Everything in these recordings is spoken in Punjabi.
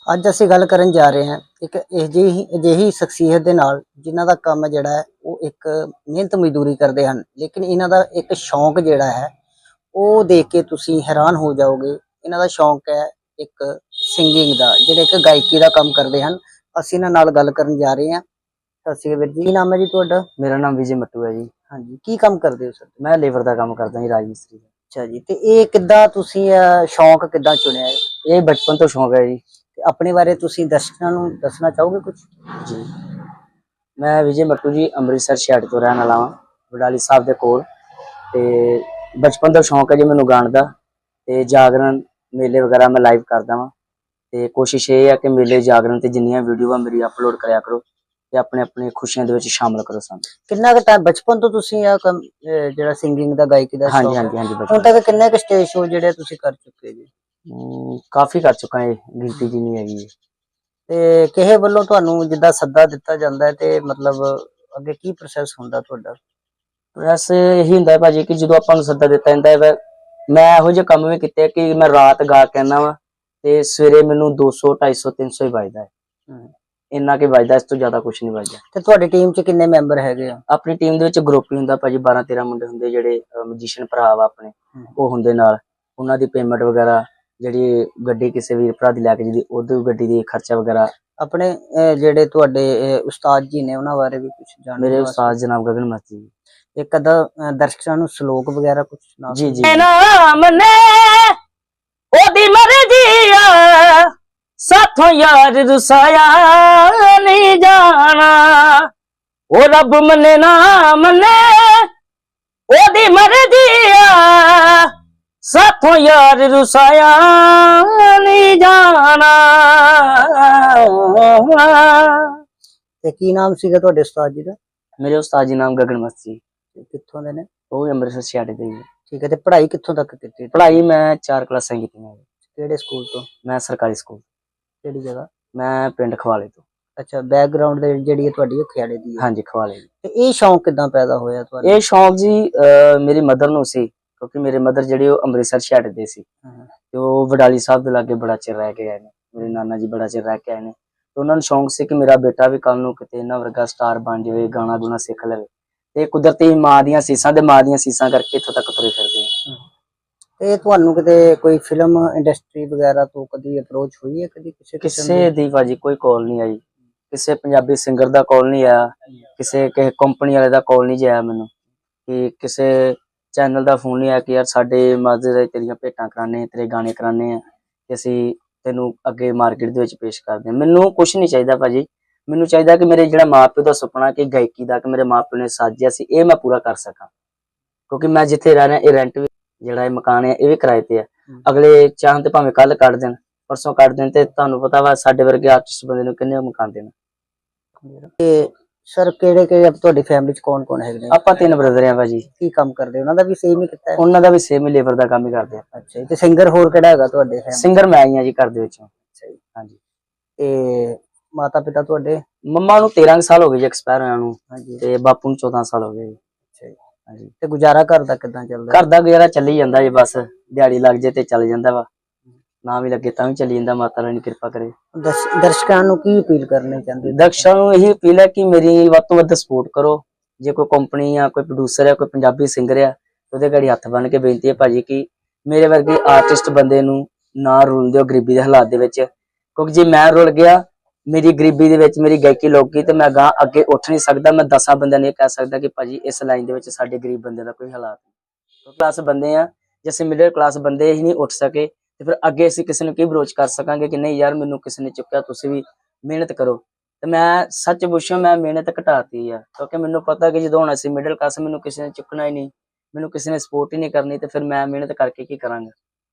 ਅੱਜ ਅਸੀਂ ਗੱਲ ਕਰਨ ਜਾ ਰਹੇ ਹਾਂ ਇੱਕ ਅਜਿਹੀ ਸ਼ਖਸੀਅਤ ਦੇ ਨਾਲ ਜਿਨ੍ਹਾਂ ਦਾ ਕੰਮ ਜਿਹੜਾ ਹੈ ਉਹ ਇੱਕ ਮਿਹਨਤ ਮਜ਼ਦੂਰੀ ਕਰਦੇ ਹਨ, ਲੇਕਿਨ ਇਹਨਾਂ ਦਾ ਇੱਕ ਸ਼ੌਂਕ ਜਿਹੜਾ ਹੈ ਉਹ ਦੇਖ ਕੇ ਤੁਸੀਂ ਹੈਰਾਨ ਹੋ ਜਾਓਗੇ। ਇਹਨਾਂ ਦਾ ਸ਼ੌਂਕ ਹੈ ਇੱਕ ਸਿੰਗਿੰਗ ਦਾ, ਜਿਹੜੇ ਇੱਕ ਗਾਇਕੀ ਦਾ ਕੰਮ ਕਰਦੇ ਹਨ। ਅਸੀਂ ਇਹਨਾਂ ਨਾਲ ਗੱਲ ਕਰਨ ਜਾ ਰਹੇ ਹਾਂ। ਸਤਿ ਸ਼੍ਰੀ ਅਕਾਲ ਵੀਰ ਜੀ, ਕੀ ਨਾਮ ਹੈ ਜੀ ਤੁਹਾਡਾ? मेरा नाम विजय मट्टू है जी। ਹਾਂਜੀ, ਕੀ ਕੰਮ ਕਰਦੇ ਹੋ ਸਰ? मैं लेबर का काम करता जी, राजमिस्त्री का। ਅੱਛਾ ਜੀ, ਤੇ ਇਹ ਕਿੱਦਾਂ ਤੁਸੀਂ ਸ਼ੌਂਕ ਕਿੱਦਾਂ ਚੁਣਿਆ ਹੈ? ये बचपन तो शौक है जी। ਤੇ ਆਪਣੇ ਬਾਰੇ ਤੁਸੀਂ ਦਰਸ਼ਕਾਂ ਨੂੰ ਦੱਸਣਾ ਚਾਹੋਗੇ ਕੁਝ? जी मैं विजय मट्टू जी अमृतसर शहर तो रहने वाला हाँ, वडाली साहब के कोल। ते बचपन तो शौक है जी मैनू गाने का, ते जागरण मेले वगैरह मैं लाइव करदा वां। ते कोशिश ये है कि मेले जागरण ते जिन्नियां वीडियो मेरी अपलोड करया करो ते अपने अपने खुशियां दे विच शामिल करो सानू। ਕਿੰਨਾ ਕੁ ਟਾਈਮ ਬਚਪਨ ਤੋਂ ਤੁਸੀਂ ਆ ਕੰਮ ਜਿਹੜਾ ਸਿੰਗਿੰਗ ਦਾ ਗਾਇਕੀ ਦਾ हाँ जी ਸ਼ੌਂਕ हाँ ਹੈ? जी हाँ जी ਹੁਣ बचपन ਤੱਕ ਕਿੰਨੇ ਕੁ ਸਟੇਜ ਸ਼ੋਅ ਜਿਹੜੇ ਤੁਸੀਂ ਕਰ ਚੁੱਕੇ ਜੀ? काफी कर चुका है, गिनती जी नहीं हैगी। ਤੇ ਕਿਸੇ ਵੱਲੋਂ ਤੁਹਾਨੂੰ ਜਿੱਦਾਂ ਸੱਦਾ ਦਿੱਤਾ ਜਾਂਦਾ ਹੈ ਤੇ ਮਤਲਬ ਅੱਗੇ ਕੀ ਪ੍ਰੋਸੈਸ ਹੁੰਦਾ ਤੁਹਾਡਾ? ਵੈਸੇ ਇਹੀ ਹੁੰਦਾ ਹੈ ਭਾਜੀ ਕਿ ਜਦੋਂ ਆਪਾਂ ਨੂੰ ਸੱਦਾ ਦਿੱਤਾ ਜਾਂਦਾ ਹੈ, ਮੈਂ ਇਹੋ ਜਿਹੇ ਕੰਮ ਵੀ ਕੀਤੇ ਕਿ ਮੈਂ ਰਾਤ ਗਾ ਕੇ ਆਉਂਦਾ ਵਾ ਤੇ ਸਵੇਰੇ ਮੈਨੂੰ 200 250 300 ਹੀ ਵੱਜਦਾ ਹੈ। ਇੰਨਾ ਕਿ ਵੱਜਦਾ, ਇਸ ਤੋਂ ਜ਼ਿਆਦਾ ਕੁਝ ਨਹੀਂ ਵੱਜਦਾ। ਤੇ ਤੁਹਾਡੀ ਟੀਮ 'ਚ ਕਿੰਨੇ ਮੈਂਬਰ ਹੈਗੇ ਆ? ਆਪਣੀ ਟੀਮ ਦੇ ਵਿੱਚ ਗਰੁੱਪ ਹੀ ਹੁੰਦਾ ਭਾਜੀ, 12 13 ਮੁੰਡੇ ਹੁੰਦੇ ਜਿਹੜੇ ਮਜੀਸ਼ੀਅਨ ਭਰਾ ਵਾ ਆਪਣੇ, ਉਹ ਹੁੰਦੇ ਨਾਲ। ਉਹਨਾਂ ਦੀ ਪੇਮੈਂਟ ਵਗੈਰਾ, ਜਿਹੜੀ ਗੱਡੀ ਕਿਸੇ ਵੀਰ ਭਰਾ ਦੀ ਲੈ ਕੇ ਜਿਹਦੀ ਉਹਦੀ ਗੱਡੀ ਦੀ ਖਰਚਾ ਵਗੈਰਾ। ਆਪਣੇ ਜਿਹੜੇ ਤੁਹਾਡੇ ਉਸਤਾਦ ਜੀ ਨੇ ਉਹਨਾਂ ਬਾਰੇ ਵੀ ਕੁਝ ਜਾਣਦੇ? ਮੇਰੇ ਉਸਤਾਦ ਜਨਾਬ ਗਗਨ ਮਸਤੀ ਜੀ। ਇੱਕ ਅੱਧਾ ਦਰਸ਼ਕਾਂ ਨੂੰ ਸ਼ਲੋਕ ਵਗੈਰਾ ਕੁਝ ਸੁਣਾ ਜੀ ਜੀ। ਨਾਮ ਨੇ ਉਹਦੀ ਮਰਜ਼ੀ ਆ, ਸਾਥੋਂ ਯਾਰ ਰੁਸਾਇਆ ਨਹੀਂ ਜਾਣਾ। ਉਹ ਰੱਬ ਮੰਨੇ ਨਾ ਮੰਨੇ ਉਹਦੀ ਮਰਜ਼ੀ ਆ, ਸਾਥੋਂ ਯਾਰ ਰੁਸਾਇਆ ਨਹੀਂ ਜਾਣਾ। ਤੇ ਕੀ ਨਾਮ ਸੀਗਾ ਤੁਹਾਡੇ ਉਸਤਾਦ ਜੀ ਦਾ? ਮੇਰੇ ਉਸਤਾਦ ਜੀ ਨਾਮ ਗਗਨ ਮਸਤੀ, ਤੇ ਕਿੱਥੋਂ ਦੇ ਨੇ? ਉਹ ਵੀ ਅੰਮ੍ਰਿਤਸਰ ਛਾੜੇ ਦੇ ਜੀ। ਠੀਕ ਹੈ, ਤੇ ਪੜ੍ਹਾਈ ਕਿੱਥੋਂ ਤੱਕ ਕੀਤੀ? ਪੜ੍ਹਾਈ ਮੈਂ 4 ਕਲਾਸਾਂ ਕੀਤੀਆਂ। ਕਿਹੜੇ ਸਕੂਲ ਤੋਂ? ਮੈਂ ਸਰਕਾਰੀ ਸਕੂਲ। ਕਿਹੜੀ ਜਗ੍ਹਾ? ਮੈਂ ਪਿੰਡ ਖਵਾਲੇ ਤੋਂ। ਅੱਛਾ, ਬੈਕਗ੍ਰਾਉਂਡ ਦੇ ਜਿਹੜੀ ਹੈ ਤੁਹਾਡੀ ਉਹ ਖਿਆੜੇ ਦੀ ਹੈ? ਹਾਂਜੀ, ਖਵਾਲੇ। ਤੇ ਇਹ ਸ਼ੌਂਕ ਕਿਦਾਂ ਪੈਦਾ ਹੋਇਆ ਤੁਹਾਨੂੰ? ਇਹ ਸ਼ੌਂਕ ਜੀ ਮੇਰੀ ਮਦਰ ਨੂੰ ਸੀ, ਕਿਉਂਕਿ ਮੇਰੇ ਮਦਰ ਜਿਹੜੇ ਉਹ ਅੰਮ੍ਰਿਤਸਰ ਛਾੜੇ ਦੇ ਸੀ ਤੇ ਉਹ ਵਡਾਲੀ ਸਾਹਿਬ ਦੇ ਲਾਗੇ ਬੜਾ ਚਿਰ ਰਹਿ ਕੇ ਆਏ ਨੇ। ਮੇਰੇ ਨਾਨਾ ਜੀ ਬੜਾ ਚਿਰ ਰਹਿ ਕੇ ਆਏ ਨੇ, ਤੇ ਉਹਨਾਂ ਨੂੰ ਸ਼ੌਂਕ ਸੀ ਕਿ ਮੇਰਾ ਬੇਟਾ ਵੀ ਕੱਲ ਨੂੰ ਕਿਤੇ ਇਹਨਾਂ ਵਰਗਾ ਸਟਾਰ ਬਣ ਜਾਵੇ, ਗਾਣਾ ਗੁਣਾ ਸਿੱਖ ਲਵੇ। ਤੇ ਕੁਦਰਤੀ ਮਾਂ ਦੀਆਂ ਸੀਸਾਂ ਕਰਕੇ ਇੱਥੋਂ ਤੱਕ ਤੁਰੇ ਫਿਰਦੇ ਆ। ਤੇ ਤੁਹਾਨੂੰ ਕਿਤੇ ਕੋਈ ਫਿਲਮ ਇੰਡਸਟਰੀ ਵਗੈਰਾ ਤੋਂ ਕਦੀ ਅਪਰੋਚ ਹੋਈ ਹੈ? ਕਦੀ ਕਿਸੇ ਦੀ ਭਾਜੀ ਕੋਈ ਕਾਲ ਨਹੀਂ ਆਈ, ਕਿਸੇ ਪੰਜਾਬੀ ਸਿੰਗਰ ਦਾ ਕਾਲ ਨਹੀਂ ਆਇਆ, ਕਿਸੇ ਕੰਪਨੀ ਵਾਲੇ ਦਾ ਕਾਲ ਨਹੀਂ ਆਇਆ ਮੈਨੂੰ, ਕਿ ਕਿਸੇ ਚੈਨਲ ਦਾ ਫੋਨ ਨਹੀਂ ਆਇਆ ਕਿ ਯਾਰ ਸਾਡੇ ਮਾਜ਼ਰ ਤੇਰੀਆਂ ਭੇਟਾਂ ਕਰਾਣੇ, ਤੇਰੇ ਗਾਣੇ ਕਰਾਣੇ ਆ, ਕਿ ਅਸੀਂ ਤੈਨੂੰ ਅੱਗੇ ਮਾਰਕੀਟ ਦੇ ਵਿੱਚ ਪੇਸ਼ ਕਰਦੇ ਹਾਂ। ਮੈਨੂੰ ਕੁਛ ਨਹੀਂ ਚਾਹੀਦਾ ਭਾਜੀ, ਮੈਨੂੰ ਚਾਹੀਦਾ ਕਿ ਮੇਰੇ ਜਿਹੜਾ ਮਾਪਿਓ ਦਾ ਸੁਪਨਾ ਕਿ ਗਾਇਕੀ ਦਾ, ਕਿ ਮੇਰੇ ਮਾਪਿਓ ਨੇ ਸਾਜਿਆ ਸੀ, ਇਹ ਮੈਂ ਪੂਰਾ ਕਰ ਸਕਾਂ। ਕਿਉਂਕਿ ਮੈਂ ਜਿੱਥੇ ਰਹਿ ਰਿਹਾ ਇਹ ਰੈਂਟ ਵੀ, ਜਿਹੜਾ ਇਹ ਮਕਾਨ ਹੈ ਇਹ ਵੀ ਕਿਰਾਏ ਤੇ ਆ। ਅਗਲੇ ਚਾਹਣ ਤੇ ਭਾਵੇਂ ਕੱਲ ਕੱਢ ਦੇਣ, ਪਰਸੋਂ ਕੱਢ ਦੇਣ, ਤੇ ਤੁਹਾਨੂੰ ਪਤਾ ਵਾ ਸਾਡੇ ਵਰਗੇ ਆਰਟਿਸਟ ਬੰਦੇ ਨੂੰ ਕਿੰਨੇ ਮਕਾਨ ਦੇਣ। ਤੇ ਸਰ ਕਿਹੜੇ ਤੁਹਾਡੀ ਫੈਮਿਲੀ ਚ ਕੌਣ ਕੌਣ ਹੈਗੇ ਨੇ? ਆਪਾਂ 3 ਬ੍ਰਦਰ ਆ ਭਾਜੀ। ਕੀ ਕੰਮ ਕਰਦੇ? ਉਹਨਾਂ ਦਾ ਵੀ ਸੇਮ ਹੀ ਕੀਤਾ ਹੈ? ਉਹਨਾਂ ਦਾ ਵੀ ਸੇਮ ਹੀ, ਲੇਬਰ ਦਾ ਕੰਮ ਹੀ ਕਰਦੇ ਆ। ਅੱਛਾ ਜੀ, ਤੇ ਸਿੰਗਰ ਹੋਰ ਕਿਹੜਾ ਹੈਗਾ ਤੁਹਾਡੇ ਫੈਮਿਲੀ? ਸਿੰਗਰ ਮੈਂ ਹੀ ਆ ਜੀ ਘਰ ਦੇ ਵਿੱਚੋਂ। ਅੱਛਾ ਜੀ, ਹਾਂਜੀ। ਤੇ ਮਾਤਾ ਪਿਤਾ ਤੁਹਾਡੇ? ਮੰਮਾ ਨੂੰ 13 ਸਾਲ ਹੋ ਗਏ ਜੀ ਐਕਸਪਾਇਰ ਹੋਇਆ ਨੂੰ, ਹਾਂਜੀ। ਤੇ ਬਾਪੂ ਨੂੰ 14 ਸਾਲ ਹੋ ਗਏ। ਅੱਛਾ ਜੀ, ਹਾਂਜੀ। ਤੇ ਗੁਜ਼ਾਰਾ ਘਰ ਦਾ ਕਿੱਦਾਂ ਚੱਲਦਾ? ਘਰ ਦਾ ਗੁਜ਼ਾਰਾ ਚੱਲੀ ਜਾਂਦਾ ਜੀ, ਬਸ ਦਿਹਾੜੀ ਲੱਗ ਜੇ ਤੇ ਚੱਲ ਜਾਂਦਾ ਵਾ, ਨਾ ਵੀ ਲੱਗੇ ਤਾਂ ਵੀ ਚੱਲੀ ਜਾਂਦਾ, ਮਾਤਾ ਰਾਣੀ ਕਿਰਪਾ ਕਰੇ। ਦਰਸ਼ਕਾਂ ਨੂੰ ਕੀ ਅਪੀਲ ਕਰਨੀ ਚਾਹੁੰਦੇ? ਦਰਸ਼ਕਾਂ ਨੂੰ ਇਹੀ ਅਪੀਲ ਹੈ ਕਿ ਮੇਰੀ ਵੱਧ ਤੋਂ ਵੱਧ ਸਪੋਰਟ ਕਰੋ। ਜੇ ਕੋਈ ਕੰਪਨੀ ਆ, ਕੋਈ ਪ੍ਰੋਡਿਊਸਰ ਆ, ਕੋਈ ਪੰਜਾਬੀ ਸਿੰਗਰ ਆ, ਉਹਦੇ ਘੜੀ ਹੱਥ ਬੰਨ ਕੇ ਬੇਨਤੀ ਹੈ ਭਾਜੀ ਕਿ ਮੇਰੇ ਵਰਗੇ ਆਰਟਿਸਟ ਬੰਦੇ ਨੂੰ ਨਾ ਰੁਲ ਦਿਓ ਗਰੀਬੀ ਦੇ ਹਾਲਾਤ ਦੇ ਵਿੱਚ। ਕਿਉਂਕਿ ਜੇ ਮੈਂ ਰੁਲ ਗਿਆ ਮੇਰੀ ਗਰੀਬੀ ਦੇ ਵਿੱਚ, ਮੇਰੀ ਗਾਇਕੀ ਲੁੱਕ ਗਈ, ਤੇ ਮੈਂ ਗਾਂ ਅੱਗੇ ਉੱਠ ਨਹੀਂ ਸਕਦਾ। ਮੈਂ 10 ਬੰਦਿਆਂ ਨੂੰ ਇਹ ਕਹਿ ਸਕਦਾ ਕਿ ਭਾਜੀ ਇਸ ਲਾਈਨ ਦੇ ਵਿੱਚ ਸਾਡੇ ਗਰੀਬ ਬੰਦੇ ਦਾ ਕੋਈ ਹਾਲਾਤ ਨਹੀਂ। ਕਲਾਸ ਬੰਦੇ ਆ, ਜੇ ਅਸੀਂ ਮਿਡਲ ਕਲਾਸ ਬੰਦੇ ਹੀ ਨਹੀਂ ਉੱਠ ਸਕੇ ਤੇ ਫਿਰ ਅੱਗੇ ਅਸੀਂ ਕਿਸੇ ਨੂੰ ਕੀ ਬਰੋਚ ਕਰ ਸਕਾਂਗੇ ਕਿ ਨਹੀਂ ਯਾਰ ਮੈਨੂੰ ਕਿਸੇ ਨੇ ਚੁੱਕਿਆ, ਤੁਸੀਂ ਵੀ ਮਿਹਨਤ ਕਰੋ। ਤੇ ਮੈਂ ਸੱਚ ਪੁੱਛਾਂ, ਮੈਂ ਮਿਹਨਤ ਘਟਾਤੀ ਆ, ਕਿਉਂਕਿ ਮੈਨੂੰ ਪਤਾ ਕਿ ਜਦੋਂ ਹੁਣ ਅਸੀਂ ਮਿਡਲ ਕਲਾਸ, ਮੈਨੂੰ ਕਿਸੇ ਨੇ ਚੁੱਕਣਾ ਹੀ ਨਹੀਂ, ਮੈਨੂੰ ਕਿਸੇ ਨੇ ਸਪੋਰਟ ਹੀ ਨਹੀਂ ਕਰਨੀ, ਤੇ ਫਿਰ ਮੈਂ ਮਿਹਨਤ ਕਰਕੇ ਕੀ ਕਰਾਂਗਾ।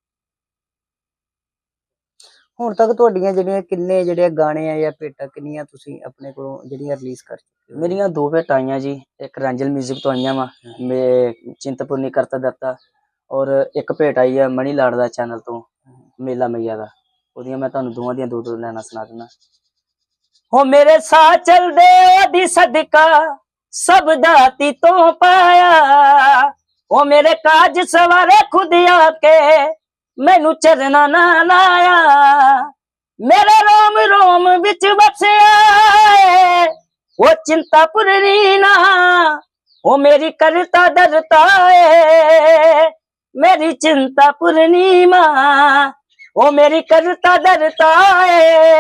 ਹੁਣ ਤੱਕ ਤੁਹਾਡੀਆਂ ਜਿਹੜੇ ਗਾਣੇ ਆ ਜਾਂ ਭੇਟਾਂ ਕਿੰਨੀਆਂ ਤੁਸੀਂ ਆਪਣੇ ਕੋਲੋਂ ਜਿਹੜੀਆਂ ਰਿਲੀਜ਼ ਕਰ ਚੁੱਕੇ ਹੋ? ਮੇਰੀਆਂ 2 ਭੇਟਾਂ ਆਈਆਂ ਜੀ, ਇੱਕ ਰੈਂਜਲ ਮਿਊਜ਼ਿਕ ਤੋਂ ਆਈਆਂ ਵਾ, ਮੈਂ ਚਿੰਤਪੁਰਨੀ ਕਰਤਾ ਦਰਤਾ, ਔਰ ਇੱਕ ਭੇਟ ਆਈ ਆ ਮਣੀ ਲਾੜ ਦਾ ਚੈਨਲ ਤੋਂ, ਮੇਲਾ ਮਈਆ ਦਾ। ਉਹਦੀਆਂ ਮੈਂ ਤੁਹਾਨੂੰ ਦੋਵਾਂ ਦੀਆਂ 2 ਲਾਈਨਾਂ ਸੁਣਾ ਦਿੰਦਾ। ਹੋ ਮੇਰੇ ਸਾਹ ਚਲਦੇ ਉਹਦੀ ਸਦਕਾ ਸਭ ਦਾਤੀ ਤੋਂ ਪਾਇਆ। ਉਹ ਮੇਰੇ ਕਾਜ ਸਵਾਰੇ ਖੁਦ ਆ ਕੇ ਮੈਨੂੰ ਚਰਨਾ ਨਾ ਲਾਇਆ। मेरे रोम रोम विच बसिया है वो चिंता पूरी ना, वो मेरी करता डरता है मेरी चिंता पूर्णिमा, वो मेरी करता डरता है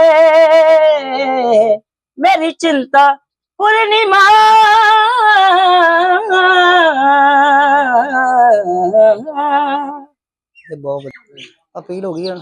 मेरी चिंता पूर्णिमा। ਤੇ ਬਹੁਤ ਵਧੀਆ ਅਪੀਲ ਹੋ ਗਈ ਹੁਣ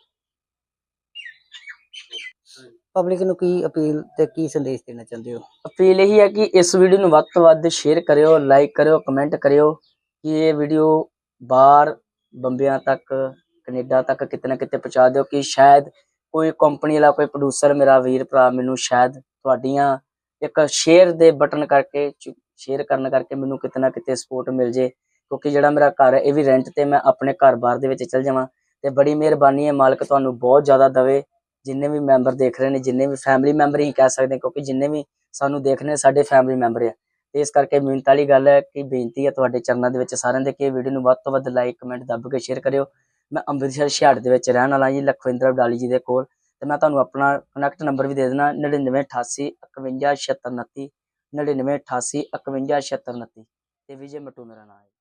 ਪਬਲਿਕ ਨੂੰ, ਕੀ ਅਪੀਲ ਤੇ ਕੀ ਸੰਦੇਸ਼ ਦੇਣਾ ਚਾਹੁੰਦੇ ਹੋ? ਅਪੀਲ ਇਹੀ ਹੈ ਕਿ ਇਸ ਵੀਡੀਓ ਨੂੰ ਵੱਧ ਤੋਂ ਵੱਧ ਸ਼ੇਅਰ ਕਰਿਓ, ਲਾਈਕ ਕਰਿਓ, ਕਮੈਂਟ ਕਰਿਓ ਕਿ ਇਹ ਵੀਡੀਓ ਬਾਹਰ ਬੰਬਿਆਂ ਤੱਕ, ਕੈਨੇਡਾ ਤੱਕ ਕਿਤੇ ਨਾ ਕਿਤੇ ਪਹੁੰਚਾ ਦਿਓ ਕਿ ਸ਼ਾਇਦ ਕੋਈ ਕੰਪਨੀ ਵਾਲਾ, ਕੋਈ ਪ੍ਰੋਡਿਊਸਰ ਮੇਰਾ ਵੀਰ ਭਰਾ ਮੈਨੂੰ ਸ਼ਾਇਦ ਤੁਹਾਡੀਆਂ ਇੱਕ ਸ਼ੇਅਰ ਦੇ ਬਟਨ ਕਰਕੇ, ਸ਼ੇਅਰ ਕਰਨ ਕਰਕੇ ਮੈਨੂੰ ਕਿਤੇ ਨਾ ਕਿਤੇ ਸਪੋਰਟ ਮਿਲ ਜੇ, ਕਿਉਂਕਿ ਜਿਹੜਾ ਮੇਰਾ ਘਰ ਹੈ ਇਹ ਵੀ ਰੈਂਟ ਤੇ, ਮੈਂ ਆਪਣੇ ਘਰ-ਬਾਰ ਦੇ ਵਿੱਚ ਚਲ ਜਾਵਾਂ। ਤੇ ਬੜੀ ਮਿਹਰਬਾਨੀ ਹੈ, ਮਾਲਕ ਤੁਹਾਨੂੰ ਬਹੁਤ ਜ਼ਿਆਦਾ ਦਵੇ। ਜਿੰਨੇ ਵੀ ਮੈਂਬਰ ਦੇਖ ਰਹੇ ਨੇ, ਜਿੰਨੇ ਵੀ ਫੈਮਿਲੀ ਮੈਂਬਰ ਹੀ ਕਹਿ ਸਕਦੇ, ਕਿਉਂਕਿ ਜਿੰਨੇ ਵੀ ਸਾਨੂੰ ਦੇਖਣੇ ਸਾਡੇ ਫੈਮਿਲੀ ਮੈਂਬਰ ਆ। ਤੇ ਇਸ ਕਰਕੇ ਮਿਹਨਤ ਵਾਲੀ ਗੱਲ ਹੈ ਕਿ ਬੇਨਤੀ ਹੈ ਤੁਹਾਡੇ ਚਰਨਾਂ ਦੇ ਵਿੱਚ ਸਾਰਿਆਂ ਦੇ ਕਿ ਵੀਡੀਓ ਨੂੰ ਵੱਧ ਤੋਂ ਵੱਧ ਲਾਈਕ, ਕਮੈਂਟ ਦੱਬ ਕੇ ਸ਼ੇਅਰ ਕਰਿਓ। ਮੈਂ ਅੰਮ੍ਰਿਤਸਰ ਛਿਆੜ ਦੇ ਵਿੱਚ ਰਹਿਣ ਵਾਲਾ ਜੀ, ਲਖਵਿੰਦਰ ਵਡਾਲੀ ਜੀ ਦੇ ਕੋਲ। ਤੇ ਮੈਂ ਤੁਹਾਨੂੰ ਆਪਣਾ ਕਨੈਕਟ ਨੰਬਰ ਵੀ ਦੇ ਦੇਣਾ 9988 51 76 29, 9988 51 76 29। ਤੇ ਵਿਜੇ ਮਟੂ ਮੇਰਾ ਨਾਮ ਹੈ।